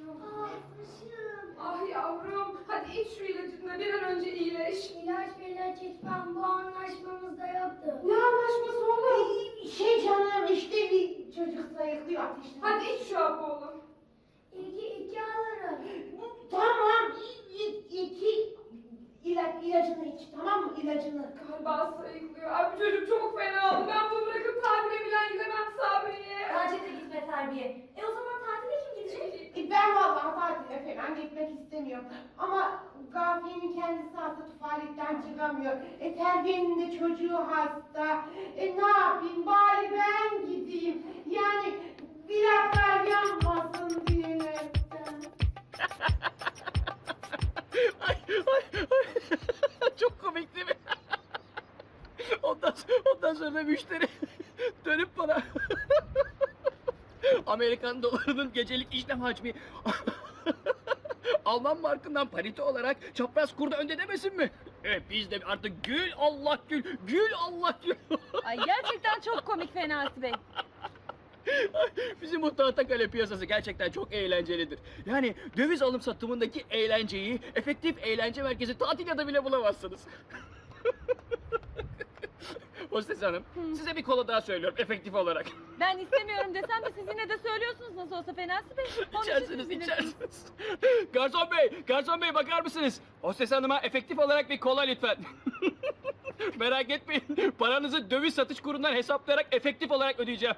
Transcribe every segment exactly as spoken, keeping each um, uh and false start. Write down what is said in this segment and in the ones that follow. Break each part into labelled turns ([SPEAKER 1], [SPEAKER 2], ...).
[SPEAKER 1] Ah başım.
[SPEAKER 2] Ah yavrum, hadi iç şu ilacını, bir an önce iyileş.
[SPEAKER 1] İlaç ilaç içmem, bu anlaşmamızda yoktu.
[SPEAKER 2] Ne anlaşması oğlum?
[SPEAKER 3] Şey canım işte bir çocuk sayıklıyor ateşli.
[SPEAKER 2] Hadi iç şu hapı oğlum.
[SPEAKER 1] İki, iki alırım.
[SPEAKER 3] Tamam iki, iki ilaç, ilacını iç tamam mı ilacını?
[SPEAKER 2] Galiba sayıklıyor. Ay bu çocuk çok fena oldu. Ben bunu bırakıp tatile bilen gidemem Sabriye.
[SPEAKER 4] Bence de gitme Terbiye. E o zaman tatile kim gidecek?
[SPEAKER 3] E, Ben vallahi tatile falan gitmek istemiyorum. Ama Gafiye'nin kendisi hasta tufaletten çıkamıyor. E Terbiye'nin de çocuğu hasta. E ne yapayım bari ben gideyim. Yani bir akar yanmasın diyerekten.
[SPEAKER 5] Ay, ay, ay. Çok komik değil mi? Ondan, ondan sonra müşteri dönüp bana Amerikan dolarının gecelik işlem hacmi Alman markından parite olarak çapraz kurda önde demesin mi? E, biz de artık gül Allah gül, gül Allah gül.
[SPEAKER 4] Ay gerçekten çok komik Fenasi Bey.
[SPEAKER 5] Bizim bu Tahtakale piyasası gerçekten çok eğlencelidir. Yani döviz alım satımındaki eğlenceyi efektif eğlence merkezi tatil ya da bile bulamazsınız. Hostes hanım, size bir kola daha söylüyorum efektif olarak.
[SPEAKER 4] Ben istemiyorum desem de siz yine de söylüyorsunuz nasıl olsa Fenasi Bey. Onun için
[SPEAKER 5] İçersiniz,
[SPEAKER 4] siz bilirsiniz.
[SPEAKER 5] içersiniz. Garson bey, garson bey bakar mısınız? Hostes hanıma efektif olarak bir kola lütfen. Merak etmeyin, paranızı döviz satış kurundan hesaplayarak efektif olarak ödeyeceğim.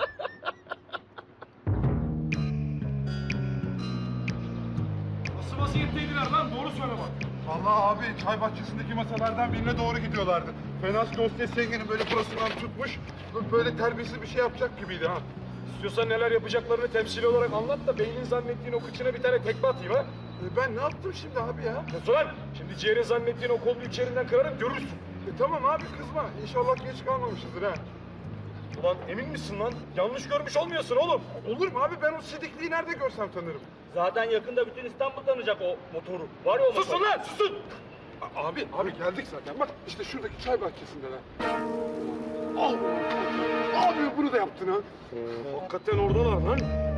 [SPEAKER 6] Nasıl vaziyetteydiler lan? Doğru söyle bak. Vallahi abi çay bahçesindeki masalardan birine doğru gidiyorlardı. Fenas Hostes yengenin böyle burasından tutmuş, böyle terbiyesiz bir şey yapacak gibiydi ha.
[SPEAKER 7] İstiyorsan neler yapacaklarını temsili olarak anlat da beynin zannettiğin o kıçına bir tane tekme atayım ha.
[SPEAKER 6] E ben ne yaptım şimdi abi ya?
[SPEAKER 7] Nasıl lan? Şimdi ciğerin zannettiğin o kolu içerinden kırarım görürsün.
[SPEAKER 6] E tamam abi kızma. İnşallah geç kalmamışızdır ha.
[SPEAKER 7] Ulan emin misin lan? Yanlış görmüş olmuyorsun oğlum.
[SPEAKER 6] Olur mu abi? Ben o sidikliği nerede görsem tanırım.
[SPEAKER 7] Zaten yakında bütün İstanbul tanıyacak o motoru. Var ya o motor. Susun lan susun!
[SPEAKER 6] A- abi, abi geldik zaten. Bak işte şuradaki çay bahçesinden ha. Al! Abi bunu da yaptın ha.
[SPEAKER 7] Hakikaten oradalar lan.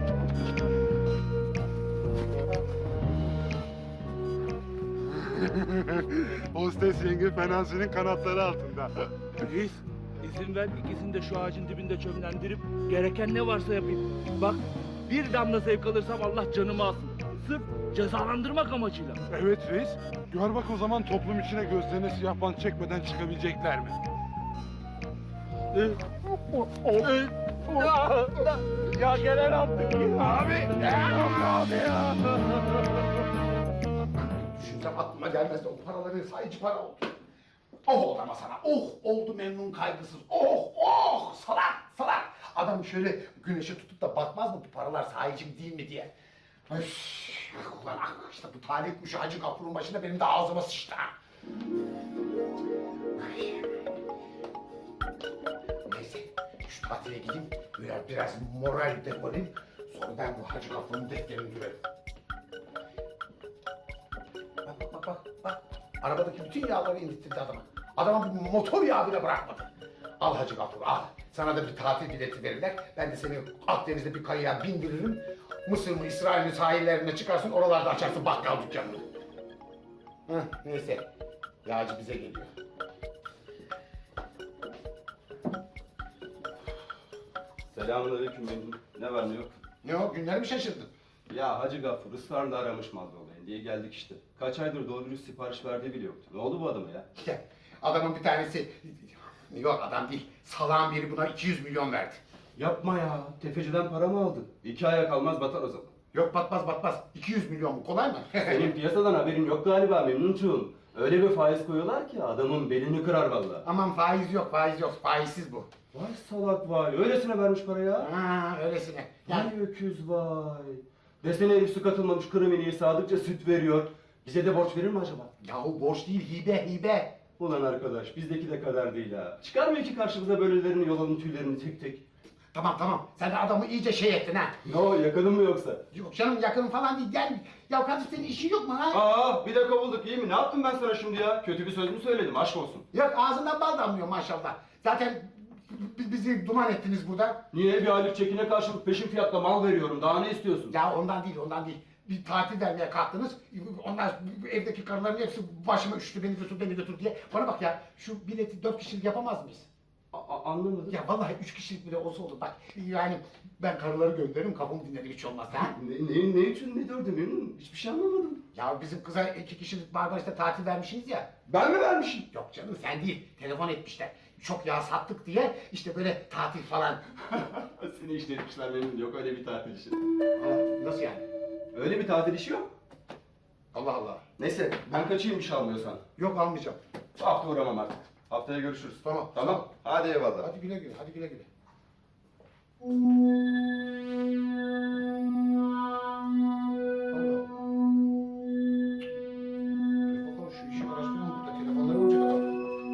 [SPEAKER 6] Hostes yenge Fenasi'nin kanatları altında.
[SPEAKER 8] Reis, izin ver ikisini de şu ağacın dibinde çömlendirip gereken ne varsa yapayım. Bak, bir damla zevk alırsam Allah canımı alsın. Sırf cezalandırmak amacıyla.
[SPEAKER 6] Evet reis. Gör bak o zaman toplum içine gözlerine siyah bant çekmeden çıkabilecekler mi?
[SPEAKER 7] Ya gelen attık.
[SPEAKER 6] Abi! Abi ya!
[SPEAKER 9] Düşünsem aklıma gelmezdi. O paraların sayıcı para oldu. Oh oldu ama sana. Oh oldu memnun kaygısız. Oh oh salak salak. Adam şöyle güneşe tutup da bakmaz mı bu paralar sahici mi değil mi diye. Öf, ah ulan ah işte bu talih kuşu Hacı Gafur'un başında benim de ağzıma sıçtı ha. Ay. Neyse şu tatile gideyim biraz, biraz moral depolayayım. Sonra ben bu Hacı Gafur'un defterini dürelim. Bak bak bak bak bak. Arabadaki bütün yağları indirtti adama. Adama bir motor yağı bile bırakmadı. Al Hacı Gafur al. Sana da bir tatil bileti verirler. Ben de seni Akdeniz'de bir kayaya bindiririm. Mısır mı İsrail'in sahillerine çıkarsın oralarda açarsın bakkal dükkanını. Heh, neyse. Yağcı bize geliyor.
[SPEAKER 10] Selamünaleyküm benim. Ne var ne yok?
[SPEAKER 9] Ne o günler mi şaşırdın?
[SPEAKER 10] Ya Hacı Gaffur ısrarla aramış mal olayın diye geldik işte. Kaç aydır doğru dürüst sipariş verdiği bile yoktu. Ne oldu bu adama ya?
[SPEAKER 9] Ya, adamın bir tanesi... Yok adam değil. Salağın biri buna iki yüz milyon verdi.
[SPEAKER 10] Yapma ya. Tefeciden para mı aldın? İki aya kalmaz batar o zaman.
[SPEAKER 9] Yok batmaz batmaz. iki yüz milyon mu? Kolay mı?
[SPEAKER 10] Senin piyasadan haberin yok galiba Memnuncuğum. Öyle bir faiz koyuyorlar ki adamın belini kırar vallahi.
[SPEAKER 9] Aman faiz yok faiz yok. Faizsiz bu.
[SPEAKER 10] Vay salak vay. Öylesine vermiş para ya.
[SPEAKER 9] Ha öylesine. Yani
[SPEAKER 10] Vay öküz vay. Desene herif su katılmamış kuru meleği sadıkça süt veriyor. Bize de borç verir mi acaba?
[SPEAKER 9] yahu borç değil hibe hibe.
[SPEAKER 10] Ulan arkadaş bizdeki de kadar değil ha. Çıkarmıyor ki karşımıza böylelerini yolanın tüylerini tek tek.
[SPEAKER 9] Tamam tamam. Sen de adamı iyice şey ettin ha.
[SPEAKER 10] Ne o yakının mı yoksa?
[SPEAKER 9] Yok canım yakın falan değil. Gel. Ya kardeş senin işin yok mu ha?
[SPEAKER 10] Aa bir de kovulduk iyi mi? Ne yaptım ben sana şimdi ya? Kötü bir söz mü söyledim aşk olsun.
[SPEAKER 9] Yok ağzından bal damlıyor maşallah. Zaten b- bizi duman ettiniz burada.
[SPEAKER 10] Niye bir aylık çekine karşılık peşin fiyatla mal veriyorum daha ne istiyorsun?
[SPEAKER 9] Ya ondan değil ondan değil. bir tatil vermeye kalktınız. Onlar evdeki karıların hepsi başıma üşüdü, beni götür, beni götür diye. Bana bak ya, şu bileti dört kişilik yapamaz mıyız?
[SPEAKER 10] A- anlamadım.
[SPEAKER 9] Ya vallahi üç kişilik bile olsa olur bak. Yani ben karıları gönderirim, kafamı dinlerim hiç olmazsa. Ha?
[SPEAKER 10] Ne, ne, ne için ne dördü memnun? Hiçbir şey anlamadım.
[SPEAKER 9] Ya bizim kıza iki kişilik Marmaris'te tatil vermişsiniz ya.
[SPEAKER 10] Ben mi vermişim?
[SPEAKER 9] Yok canım sen değil, telefon etmişler. Çok yağ sattık diye işte böyle tatil falan.
[SPEAKER 10] Seni işletmişler memnun. Yok öyle bir tatil işi.
[SPEAKER 9] Aa, nasıl yani?
[SPEAKER 10] Öyle bir tatil işi yok.
[SPEAKER 9] Allah Allah.
[SPEAKER 10] Neyse ben kaçayım bir şey almıyorsan.
[SPEAKER 9] Yok almayacağım.
[SPEAKER 10] Bu hafta uğramam artık. Haftaya görüşürüz.
[SPEAKER 9] Tamam.
[SPEAKER 10] Tamam. Hadi eyvallah.
[SPEAKER 9] Hadi güle güle, hadi güle güle. Allah Allah. Dur bakalım şu işi araştıralım burada. Telefonları olacak adam.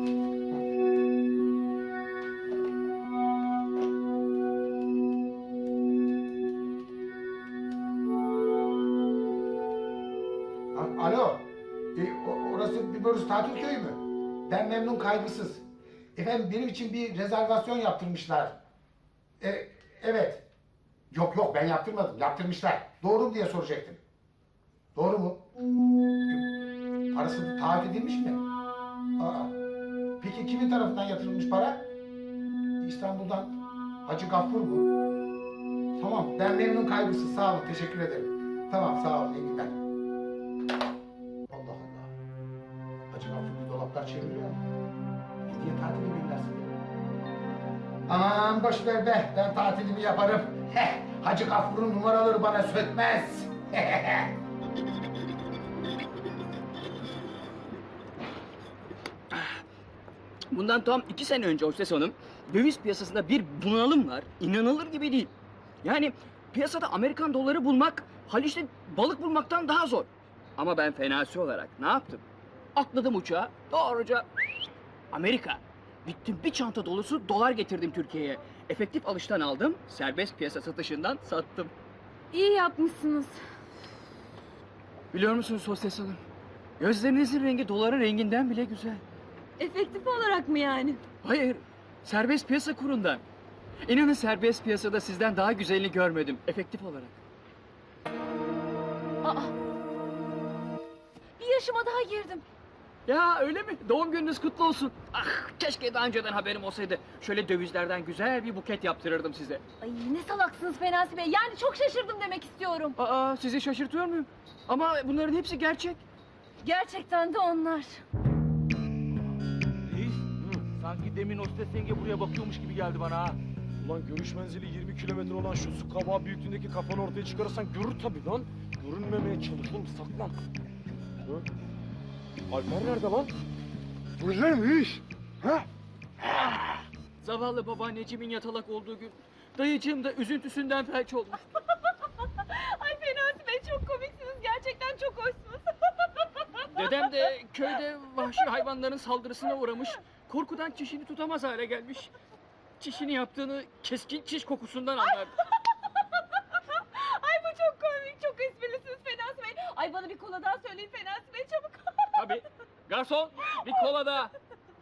[SPEAKER 9] A- Alo. E, o- orası bir burası tatil köyü mü? Ben memnun kaygısız. Efendim benim için bir rezervasyon yaptırmışlar. E, evet. Yok yok ben yaptırmadım. Yaptırmışlar. Doğru mu diye soracaktım. Doğru mu? Parası taahhüt edilmiş mi? Aa. Peki kimin tarafından yatırılmış para? İstanbul'dan Hacı Gaffur mu? Tamam ben memnun kaygısız. Sağ olun teşekkür ederim. Tamam sağ olun iyi günler. Allah Allah. Hacı Gaffur bir dolaplar çeviriyor mu? Hediye tatili göndersin. Aman boş ver be, ben tatilimi yaparım. Heh, Hacı Gafur'un numaraları bana sökmez.
[SPEAKER 5] Bundan tam iki sene önce Hostes Hanım, döviz piyasasında bir bunalım var. İnanılır gibi değil. Yani piyasada Amerikan doları bulmak, Haliç'te balık bulmaktan daha zor. Ama ben fenasi olarak ne yaptım? Atladım uçağa, doğruca Amerika. Gittim bir çanta dolusu dolar getirdim Türkiye'ye. Efektif alıştan aldım, serbest piyasa satışından sattım.
[SPEAKER 4] İyi yapmışsınız.
[SPEAKER 5] Biliyor musunuz Hostes Hanım? Gözlerinizin rengi doların renginden bile güzel.
[SPEAKER 4] Efektif olarak mı yani?
[SPEAKER 5] Hayır, serbest piyasa kurundan. İnanın serbest piyasada sizden daha güzelini görmedim, efektif olarak.
[SPEAKER 4] Aa. Bir yaşıma daha girdim.
[SPEAKER 5] Ya öyle mi? Doğum gününüz kutlu olsun. Ah, keşke daha önceden haberim olsaydı. Şöyle dövizlerden güzel bir buket yaptırırdım size.
[SPEAKER 4] Ay ne salaksınız Fenasi Bey. Yani çok şaşırdım demek istiyorum.
[SPEAKER 5] Aa, sizi şaşırtıyor muyum? Ama bunların hepsi gerçek.
[SPEAKER 4] Gerçekten de onlar.
[SPEAKER 8] Reis, sanki demin hostes yenge buraya bakıyormuş gibi geldi bana ha.
[SPEAKER 7] Ulan görüş menzili yirmi kilometre olan şu su kabağı büyüklüğündeki kafanı ortaya çıkarırsan görür tabii lan. Görünmemeye çalış oğlum saklan. Hı? Alper nerede lan?
[SPEAKER 6] Burada mı iş? Ha?
[SPEAKER 5] Zavallı babaanneciğimin yatalak olduğu gün dayıcığım da üzüntüsünden felç olmuş.
[SPEAKER 4] Ay Fenasi Bey çok komiksiniz. Gerçekten çok hoşsunuz.
[SPEAKER 5] Dedem de köyde vahşi hayvanların saldırısına uğramış. Korkudan çişini tutamaz hale gelmiş. Çişini yaptığını keskin çiş kokusundan anlardı.
[SPEAKER 4] Ay bu çok komik. Çok esprilisiniz Fenasi Bey. Ay bana bir kola daha söyleyin Fenasi Bey çabuk.
[SPEAKER 5] Tabii. Garson bir kola daha.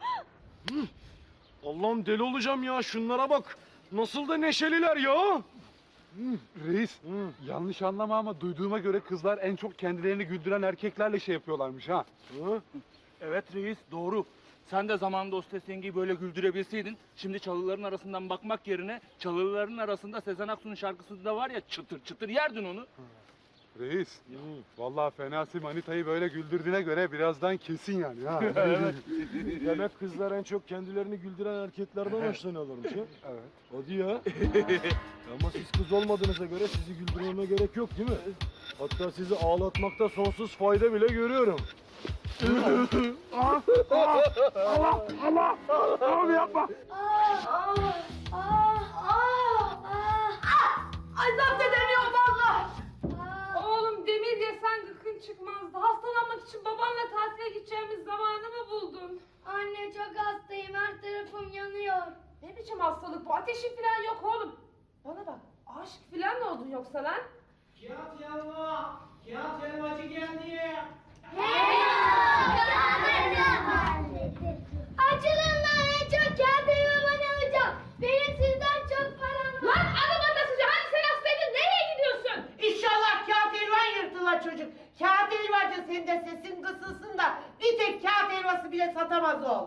[SPEAKER 7] Allah'ım deli olacağım ya şunlara bak. Nasıl da neşeliler ya.
[SPEAKER 6] Reis, yanlış anlama ama duyduğuma göre kızlar en çok kendilerini güldüren erkeklerle şey yapıyorlarmış ha.
[SPEAKER 7] Hı?
[SPEAKER 8] Evet reis, doğru. Sen de zamanında hostes yengeyi böyle güldürebilseydin, şimdi çalıların arasından bakmak yerine çalıların arasında Sezen Aksu'nun şarkısında var ya çıtır çıtır yerdin onu.
[SPEAKER 6] Reis, vallahi Fenasi Manita'yı böyle güldürdüğüne göre birazdan kesin yani ha.
[SPEAKER 7] Evet. Demek kızlar en çok kendilerini güldüren erkeklerden hoşlanıyorlarmış ha?
[SPEAKER 6] Evet.
[SPEAKER 7] Hadi ya. Ama siz kız olmadığınıza göre sizi güldürmeme gerek yok değil mi? Hatta sizi ağlatmakta sonsuz fayda bile görüyorum.
[SPEAKER 6] Allah, Allah, abi yapma.
[SPEAKER 1] Ah, ah, ah, ah, ah.
[SPEAKER 2] Ay zapt edemiyorum valla.
[SPEAKER 1] Ah.
[SPEAKER 2] Oğlum demir yesen gıkın çıkmazdı. Hastalanmak için babanla tatile gideceğimiz zamanı mı buldun?
[SPEAKER 1] Anne çok hastayım, her tarafım yanıyor.
[SPEAKER 2] Ne biçim hastalık bu? Ateşin falan yok oğlum. Bana bak, aşık falan mı oldun yoksa lan?
[SPEAKER 11] Kağıt yanma, kağıt yanmacı geldi.
[SPEAKER 1] Açılın lan, en çok kağıt elmaman alacağım. Benim sizden çok param var.
[SPEAKER 2] Lan adam atasıca hani sen hastaydın nereye gidiyorsun?
[SPEAKER 3] İnşallah kağıt elvan yırtılar. çocuk. Kağıt helvacı, senin de sesin kısılsın da bir tek kağıt helvası bile satamaz ol.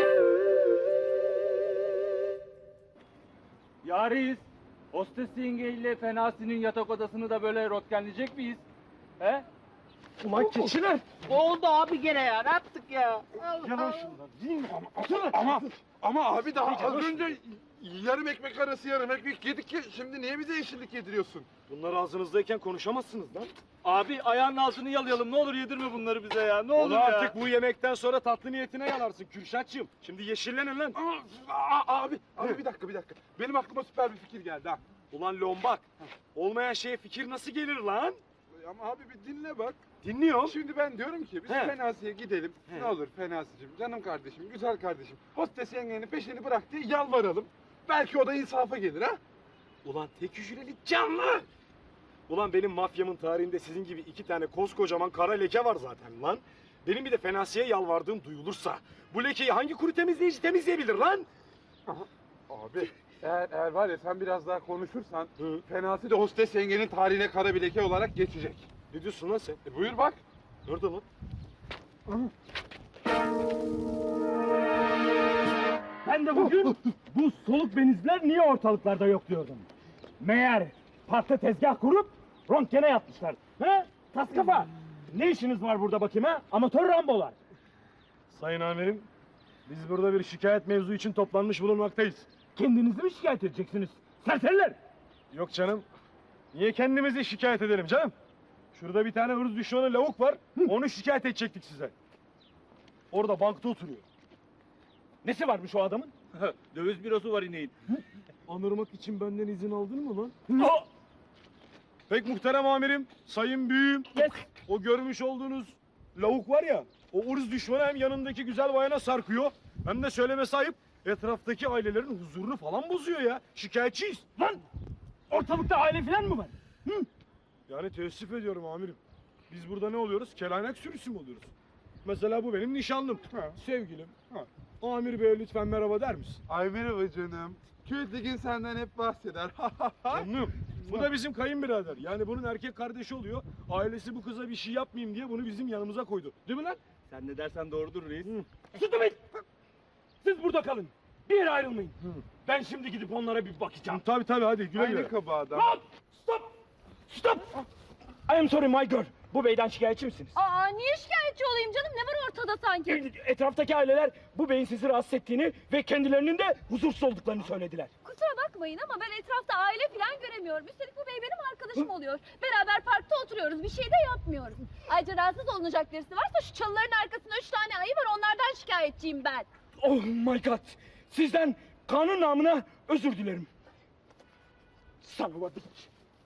[SPEAKER 8] Yariz, hostes yengeyle Fenasi'nin yatak odasını da böyle rotkenleyecek miyiz? He?
[SPEAKER 7] Ulan keçiler!
[SPEAKER 11] Oldu abi gene ya. Ne yaptık ya?
[SPEAKER 7] Yalan şundan değil mi?
[SPEAKER 6] Ama ama abi daha az önce yarım ekmek arası yarım ekmek yedik ki şimdi niye bize yeşillik yediriyorsun?
[SPEAKER 7] Bunlar ağzınızdayken konuşamazsınız lan.
[SPEAKER 8] Abi ayağının altını yalayalım. Ne olur yedirme bunları bize ya. Ne olur
[SPEAKER 7] Onu
[SPEAKER 8] ya.
[SPEAKER 7] artık bu yemekten sonra tatlı niyetine yalarsın Kürşatçığım. Şimdi yeşillenin lan.
[SPEAKER 6] Aa, aa, abi abi bir dakika bir dakika. Benim aklıma süper bir fikir geldi ha.
[SPEAKER 7] Ulan lombak. Olmayan şeye fikir nasıl gelir lan?
[SPEAKER 6] Ama abi bir dinle bak.
[SPEAKER 7] Dinliyorum.
[SPEAKER 6] Şimdi ben diyorum ki biz
[SPEAKER 7] He.
[SPEAKER 6] Fenasi'ye gidelim.
[SPEAKER 7] He.
[SPEAKER 6] Ne olur Fenasi'cim, canım kardeşim, güzel kardeşim. Hostes yengenin peşini bırak diye yalvaralım. Belki o da insafa gelir ha.
[SPEAKER 7] Ulan tek hücreli canlı. Ulan benim mafyamın tarihinde sizin gibi iki tane koskocaman kara leke var zaten lan. Benim bir de Fenasi'ye yalvardığım duyulursa bu lekeyi hangi kuru temizleyici temizleyebilir lan?
[SPEAKER 6] Abi eğer, eğer var ya sen biraz daha konuşursan
[SPEAKER 7] Hı.
[SPEAKER 6] Fenasi de hostes yengenin tarihine kara bir leke olarak geçecek.
[SPEAKER 7] Ne diyorsun lan sen?
[SPEAKER 6] E buyur bak.
[SPEAKER 7] Nerede lan?
[SPEAKER 8] Ben de bugün bu soluk benizler niye ortalıklarda yok diyordum. Meğer parkta tezgah kurup röntgene yapmışlar. He? Tas kafa. Ne işiniz var burada bakayım ha? Amatör rambolar.
[SPEAKER 7] Sayın amirim, biz burada bir şikayet mevzu için toplanmış bulunmaktayız.
[SPEAKER 8] Kendinizi mi şikayet edeceksiniz? Serseriler.
[SPEAKER 7] Yok canım. Niye kendimizi şikayet edelim canım? Şurada bir tane hırs düşmanı lavuk var. Onu şikayet edecektik size. Orada bankta oturuyor.
[SPEAKER 8] Nesi varmış o adamın?
[SPEAKER 7] Döviz bürosu var ineğin. Anırmak için benden izin aldın mı lan?
[SPEAKER 8] O,
[SPEAKER 7] Pek muhterem amirim, sayın büyüğüm.
[SPEAKER 8] yes.
[SPEAKER 7] O görmüş olduğunuz lavuk var ya, o ırz düşmanı hem yanındaki güzel bayana sarkıyor, hem de söyleme sahip etraftaki ailelerin huzurunu falan bozuyor ya. Şikayetçiyiz.
[SPEAKER 8] Lan ortalıkta aile falan mı var?
[SPEAKER 7] Yani teessüf ediyorum amirim. Biz burada ne oluyoruz? Kelaynak sürüsü mü oluyoruz? Mesela bu benim nişanlım.
[SPEAKER 6] Ha.
[SPEAKER 7] Sevgilim.
[SPEAKER 6] Ha.
[SPEAKER 7] Amir bey lütfen merhaba der misin?
[SPEAKER 6] Ay merhaba canım. Kültigin senden hep bahseder.
[SPEAKER 7] Canım. Bu da bizim kayınbirader. Yani bunun erkek kardeşi oluyor. Ailesi bu kıza bir şey yapmayayım diye bunu bizim yanımıza koydu. Değil mi lan?
[SPEAKER 8] Sen ne dersen doğrudur reis.
[SPEAKER 7] Sus be! Siz burada kalın. Bir yere ayrılmayın. Ben şimdi gidip onlara bir bakacağım. Tabii tabii hadi güle güle.
[SPEAKER 6] Aynı kaba adam.
[SPEAKER 7] Hop! Stop! Stop! I am sorry my girl. Bu beyden şikayetçi misiniz?
[SPEAKER 4] Aa niye şikayetçi olayım canım? Ne var ortada sanki?
[SPEAKER 7] Etraftaki aileler bu beyin sizi rahatsız ettiğini ve kendilerinin de huzursuz olduklarını söylediler.
[SPEAKER 4] Kusura bakmayın ama ben etrafta aile falan göremiyorum. Üstelik bu bey benim arkadaşım oluyor. Beraber parkta oturuyoruz. Bir şey de yapmıyoruz. Ayrıca rahatsız olunacak birisi varsa şu çalıların arkasında üç tane ayı var. Onlardan şikayetçiyim ben.
[SPEAKER 7] Oh my god! Sizden kanun namına özür dilerim. Son of a bitch.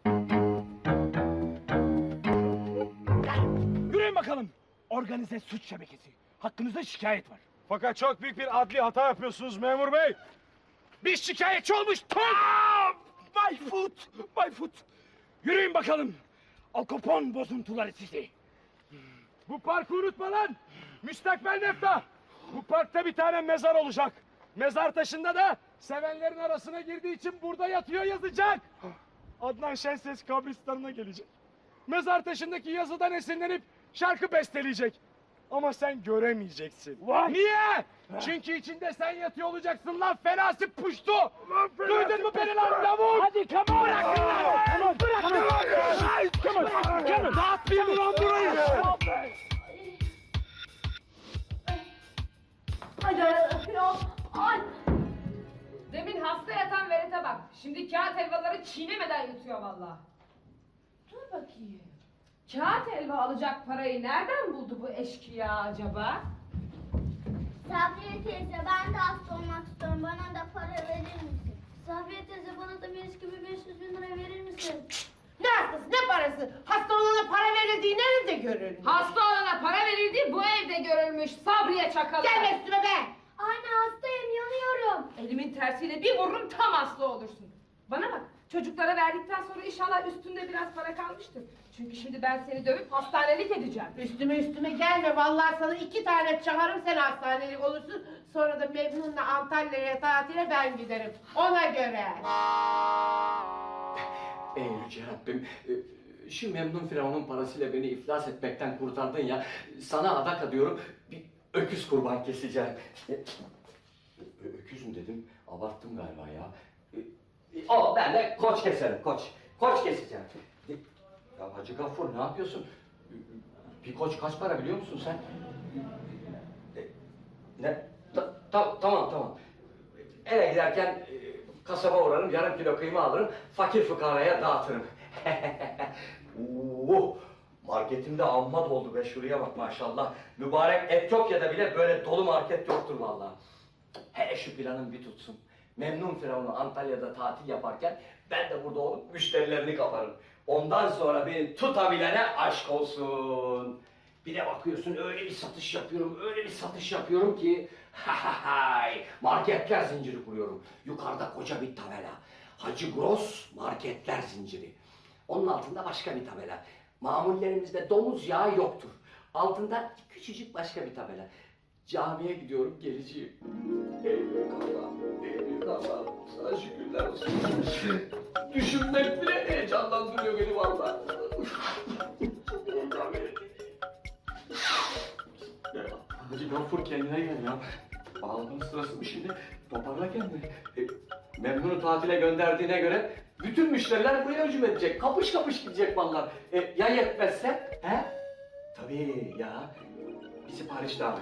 [SPEAKER 7] Yürüyün bakalım. Organize suç şebekesi. Hakkınızda şikayet var. Fakat çok büyük bir adli hata yapıyorsunuz memur bey. Bir şikayetçi olmuş. Tom! My foot! My foot! Yürüyün bakalım. Al Capone bozuntuları sizi. Bu parkı unutma lan. Müstakbel Nefta. Bu parkta bir tane mezar olacak. Mezar taşında da sevenlerin arasına girdiği için burada yatıyor yazacak. Adnan Şenses kabristanına gelecek. Mezar taşındaki yazıdan esinlenip şarkı besteleyecek. Ama sen göremeyeceksin. Niye? Çünkü içinde sen yatıyor olacaksın lan Fenasi puştu. Duydun mu beni lan lavuk? Hadi come on. Bırakın lan. Bırakın lan. Come on. Come on. Dağıtmayayım lan burayı.
[SPEAKER 2] Ay, ay. Demin hasta yatan verete bak. Şimdi kağıt helvaları çiğnemeden yutuyor vallahi. Dur bakayım. Kağıt helva alacak parayı nereden buldu bu eşkıya acaba?
[SPEAKER 1] Sabriye teyze ben de hasta olmak istiyorum. Bana da para verir misin? Sabriye teyze bana da bir gibi beş yüz bin lira verir misin?
[SPEAKER 3] Ne hastası, ne parası? Hasta olana para verildiği nerede görülür?
[SPEAKER 2] Hasta olana para verildiği bu evde görülmüş Sabriye çakalı.
[SPEAKER 3] Gelme üstüme be!
[SPEAKER 1] Anne hastayım yanıyorum.
[SPEAKER 2] Elimin tersiyle bir vururum tam hasta olursun. Bana bak çocuklara verdikten sonra inşallah üstünde biraz para kalmıştır. Çünkü şimdi ben seni dövüp hastanelik edeceğim.
[SPEAKER 3] Üstüme üstüme gelme. Vallahi sana iki tane çağırırım, sen hastanelik olursun. Sonra da Memnun'la Antalya'ya tatile ben giderim. Ona göre.
[SPEAKER 5] Ey Yüce Rabbim, e, şu memnun firavunun parasıyla beni iflas etmekten kurtardın ya. Sana adak adıyorum, bir öküz kurban keseceğim. E, ö- öküz mü dedim? Abarttım galiba ya. E, e, o ben de koç keserim, koç. Koç keseceğim. E, ya Hacı Gaffur ne yapıyorsun? E, Bir koç kaç para biliyor musun sen? E, ne? Ta- ta- tamam tamam. Eve giderken e, kasaba uğrarım, yarım kilo kıyma alırım, fakir fukaraya dağıtırım. Oo, marketimde amma doldu be, şuraya bak maşallah. Mübarek Etiyopya'da bile böyle dolu market yoktur vallahi. Hele şu planım bir tutsun. Memnun Firavun'u Antalya'da tatil yaparken ben de burada olup müşterilerini kaparım. Ondan sonra beni tutabilene aşk olsun. Bir de bakıyorsun öyle bir satış yapıyorum, öyle bir satış yapıyorum ki hay, marketler zinciri kuruyorum. Yukarıda koca bir tabela. Hacı Gross Marketler Zinciri. Onun altında başka bir tabela. Mamullerimizde domuz yağı yoktur. Altında küçücük başka bir tabela. Camiye gidiyorum, geleceğim. Ey büyük Allah'ım, ey büyük Allah'ım. Sana şükürler olsun. Düşünmek bile heyecanlandırıyor beni vallahi. Çok heyecan verici. Ya, Hacı Gaffur kendine gel ya. Ağlamanın sırası mı şimdi? Toparla kendini. E, Memnun'u tatile gönderdiğine göre bütün müşteriler buraya hücum edecek. Kapış kapış gidecek mallar. E, ya yetmezse? He? Tabii ya. Bir sipariş daha ver.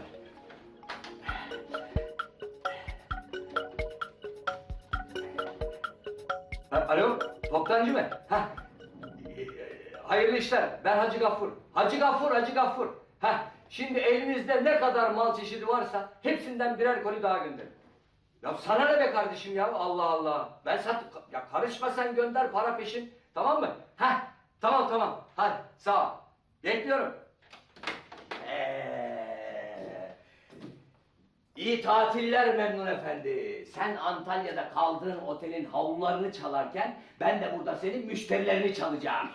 [SPEAKER 5] Ha, alo, toptancı mı? Ha. E, hayırlı işler. Ben Hacı Gaffur. Hacı Gaffur, Hacı Gaffur. Ha. Şimdi elinizde ne kadar mal çeşidi varsa hepsinden birer koli daha gönderin. Ya sana ne be kardeşim ya, Allah Allah. Ben sat... Ya karışma sen, gönder, para peşin. Tamam mı? Heh, tamam tamam. Hadi sağ ol. Bekliyorum. Ee, iyi tatiller Memnun Efendi. Sen Antalya'da kaldığın otelin havlularını çalarken ben de burada senin müşterilerini çalacağım.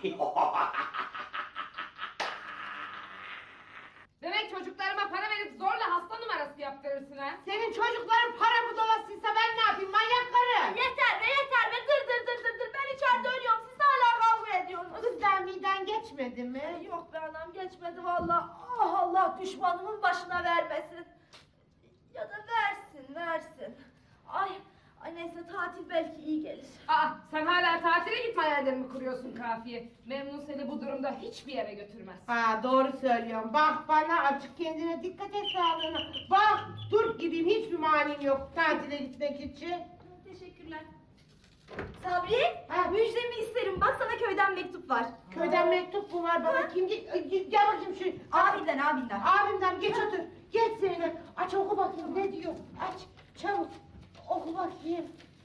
[SPEAKER 2] Demek çocuklarıma para verip zorla hasta numarası yaptırırsın ha?
[SPEAKER 3] Senin çocukların para budalasıysa ben ne yapayım manyak karı?
[SPEAKER 1] Yeter be yeter be dır dır dır dır dır. Ben içeride ölüyorum, siz hala kavga ediyorsunuz.
[SPEAKER 3] Kız daha miden geçmedi mi?
[SPEAKER 1] Yok be anam, geçmedi vallahi. Ah, Allah düşmanımın başına vermesin. Ya da versin versin. Ay, ay neyse, tatil belki iyi gelir.
[SPEAKER 2] Aa, sen hala tatile gitme hayallerini kuruyorsun Kafiye. Memnun seni bu durumda hiçbir yere götürmez.
[SPEAKER 3] Ha doğru söylüyorum. Bak bana açık, kendine dikkat et sağlığına. Bak Türk gibiyim, hiçbir manim yok tatile gitmek için.
[SPEAKER 4] Teşekkürler. Sabri,
[SPEAKER 3] Ha.
[SPEAKER 4] müjdemi isterim. Bak sana köyden mektup var.
[SPEAKER 3] Köyden mektup mu var bana? Kim? Ge- Ge- Gel bakayım şu.
[SPEAKER 4] Abinden, abinden.
[SPEAKER 3] Abimden geç otur. Geç Zeynep. Aç oku bakayım ne diyor. Aç çabuk. Oku bakayım.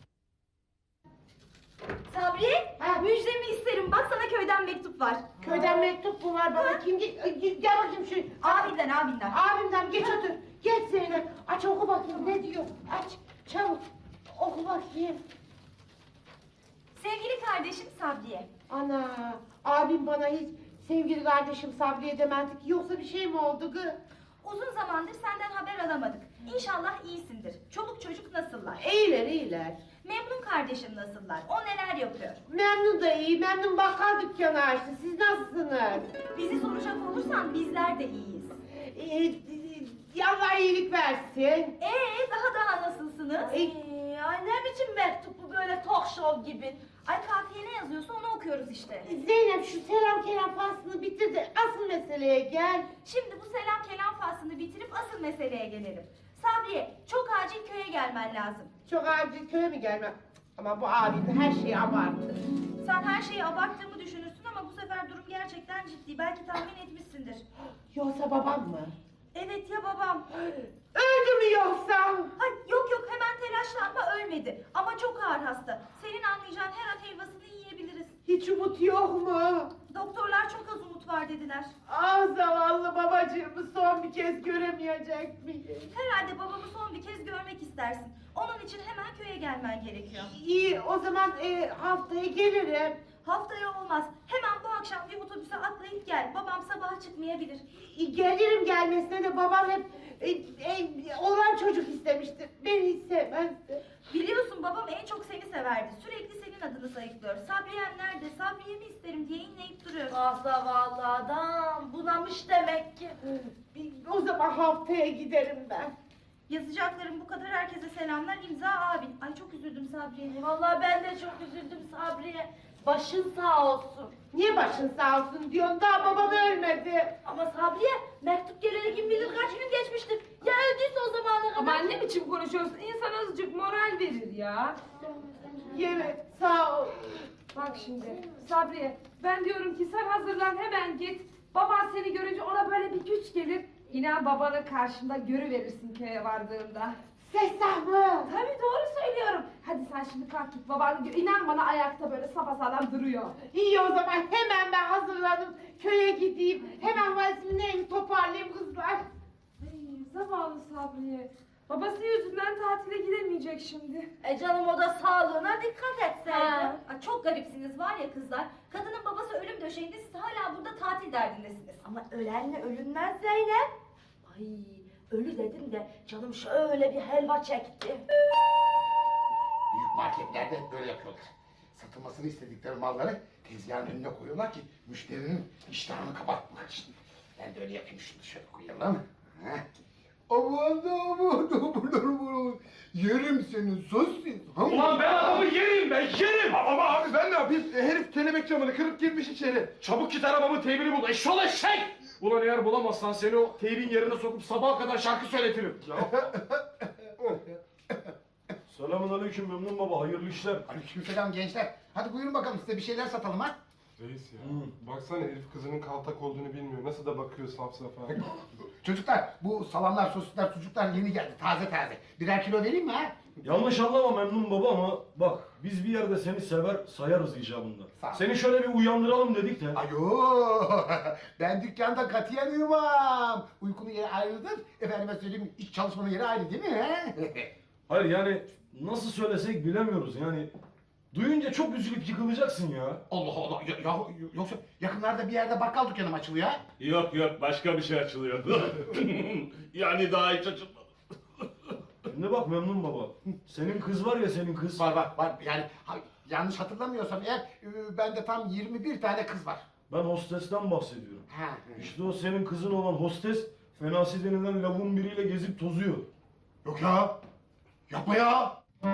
[SPEAKER 4] Sabri,
[SPEAKER 3] Ha.
[SPEAKER 4] müjdemi isterim. Bak sana köyden mektup var.
[SPEAKER 3] Köyden mektup mu var bana? Kim? Ge- Ge- Gel bakayım şu.
[SPEAKER 4] Abinden, abinden.
[SPEAKER 3] Abimden geç otur. Geç Zeynep. Aç oku bakayım ne diyor. Aç çabuk. Oku bakayım.
[SPEAKER 4] Sevgili kardeşim Sabriye.
[SPEAKER 3] Ana, abim bana hiç sevgili kardeşim Sabriye demezdi ki, yoksa bir şey mi oldu gı?
[SPEAKER 4] Uzun zamandır senden haber alamadık. İnşallah iyisindir. Çoluk çocuk nasıllar?
[SPEAKER 3] İyiler iyiler.
[SPEAKER 4] Memnun kardeşim nasıllar? O neler yapıyor?
[SPEAKER 3] Memnun da iyi, Memnun bakkal dükkanı açtı. Siz nasılsınız?
[SPEAKER 4] Bizi soracak olursan bizler de iyiyiz.
[SPEAKER 3] Ee, Allah iyilik versin.
[SPEAKER 4] Ee, daha daha nasılsınız?
[SPEAKER 1] Ee, ay ne biçim mektup bu, böyle talk show gibi.
[SPEAKER 4] Ay kafiye ne yazıyorsa onu okuyoruz işte.
[SPEAKER 3] Zeynep şu selam kelam faslını bitir de asıl meseleye gel.
[SPEAKER 4] Şimdi bu selam kelam faslını bitirip asıl meseleye gelelim. Sabriye, çok acil köye gelmen lazım.
[SPEAKER 3] Çok acil köye mi gelmem? Ama bu abim de her şeyi abarttı.
[SPEAKER 4] Sen her şeyi abarttığımı düşünürsün ama bu sefer durum gerçekten ciddi. Belki tahmin etmişsindir.
[SPEAKER 3] Yoksa babam mı?
[SPEAKER 4] Evet ya babam.
[SPEAKER 3] Öldü mü yoksa?
[SPEAKER 4] Ay yok yok, hemen telaşlanma, ölmedi. Ama çok ağır hasta. Senin anlayacağın her an helvasını yiyebiliriz.
[SPEAKER 3] Hiç umut yok mu?
[SPEAKER 4] Doktorlar çok az umut var dediler.
[SPEAKER 3] Ah zavallı babacığımı son bir kez göremeyecek miyim?
[SPEAKER 4] Herhalde babamı son bir kez görmek istersin. Onun için hemen köye gelmen gerekiyor.
[SPEAKER 3] İyi o zaman e, haftaya gelirim.
[SPEAKER 4] Haftaya olmaz. Hemen bu akşam bir otobüse atlayıp gel. Babam sabah çıkmayabilir.
[SPEAKER 3] E, Gelirim gelmesine de babam hep E, e, olan çocuk istemiştir. Beni hiç sevmezdi.
[SPEAKER 1] Biliyorsun babam en çok seni severdi. Sürekli senin adını sayıklıyor. Sabriye'm nerede? Sabriye mi isterim diye inleyip duruyor. Ah zavallı adam. Bunamış demek ki.
[SPEAKER 3] Bir- O zaman haftaya giderim ben.
[SPEAKER 1] Yazacaklarım bu kadar. Herkese selamlar. İmza abin. Ay çok üzüldüm Sabriye. Vallahi ben de çok üzüldüm Sabriye. Başın sağ olsun.
[SPEAKER 3] Niye başın sağ olsun diyorsun? Daha babam ölmedi.
[SPEAKER 1] Ama Sabriye mektup geleli kim bilir kaç gün geçmiştir. Ya öldüyse o zamana kadar.
[SPEAKER 2] Ama ne biçim konuşuyorsun? İnsan azıcık moral verir ya.
[SPEAKER 3] Evet, sağ ol.
[SPEAKER 2] Bak şimdi Sabriye, ben diyorum ki sen hazırlan hemen git. Baban seni görünce ona böyle bir güç gelir. İnan babanı karşında görüverirsin köye vardığında.
[SPEAKER 3] Sesah mı?
[SPEAKER 2] Tabii doğru söylüyorum. Hadi sen şimdi kalk git babanı gör. İnan bana ayakta böyle sapasağlam duruyor.
[SPEAKER 3] İyi o zaman hemen ben hazırlanıp köye gideyim. Hemen valizimi neyini toparlayayım kızlar.
[SPEAKER 2] Ay, zavallı Sabriye. Babası yüzünden tatile gidemeyecek şimdi.
[SPEAKER 1] E canım o da sağlığına dikkat etseydi.
[SPEAKER 4] Ha.
[SPEAKER 1] Ay, çok garipsiniz var ya kızlar. Kadının babası ölüm döşeğinde siz hala burada tatil derdindesiniz. Ama ölenle ölünmez Zeynep. Ay ölü dedim de canım şöyle bir helva çekti.
[SPEAKER 9] Büyük marketlerde hep böyle yapıyorlar. Satılmasını istedikleri malları tezgahın önüne koyuyorlar ki müşterinin iştahını kapatmak için. Ben de öyle yapayım, şunu şöyle koyalım. Heh. Aman da aman da aman aman. Yerim seni sosis.
[SPEAKER 7] Ulan ben adamı yerim ben yerim.
[SPEAKER 6] Ama abi ben ne yapayım? E, herif kelebek camını kırıp girmiş içeri.
[SPEAKER 7] Çabuk git arabamın teybini bul. Eşşol eşek! Ulan eğer bulamazsan seni o teybin yerine sokup sabaha kadar şarkı söyletirim. Selamun aleyküm Memnun baba, hayırlı işler.
[SPEAKER 9] Aleykümselam gençler. Hadi buyurun bakalım, size bir şeyler satalım ha.
[SPEAKER 6] Reis ya. Baksana herif kızının kaltak olduğunu bilmiyor. Nasıl da bakıyor saf safa.
[SPEAKER 9] Çocuklar, bu salamlar, sosisler, sucuklar yeni geldi, taze taze. Birer kilo vereyim mi ha?
[SPEAKER 12] Yanlış anlama Memnun baba ama bak biz bir yerde seni sever sayarız icabında.
[SPEAKER 9] Sağ ol.
[SPEAKER 12] Seni şöyle bir uyandıralım dedik de.
[SPEAKER 9] Ayo, ben dükkanda katiyen uyumam. Uykunun yeri ayrıdır. Efendime söyleyeyim, iş çalışmanın yeri ayrı değil mi? He?
[SPEAKER 12] Hayır yani nasıl söylesek bilemiyoruz yani. Duyunca çok üzülüp yıkılacaksın ya.
[SPEAKER 9] Allah Allah, ya, ya- yoksa yakınlarda bir yerde bakkal dükkanı mı açılıyor ha?
[SPEAKER 7] Yok yok başka bir şey açılıyor. Yani daha hiç açılmadı.
[SPEAKER 12] Şimdi bak Memnun baba. Senin kız var ya senin kız.
[SPEAKER 9] Var var var, yani ha- yanlış hatırlamıyorsam eğer, e, bende tam yirmi bir tane kız var.
[SPEAKER 12] Ben hostesten bahsediyorum.
[SPEAKER 9] Ha.
[SPEAKER 12] İşte o senin kızın olan hostes Fenasi denilen lavuğun biriyle gezip tozuyor.
[SPEAKER 9] Yok ya, yapma ya.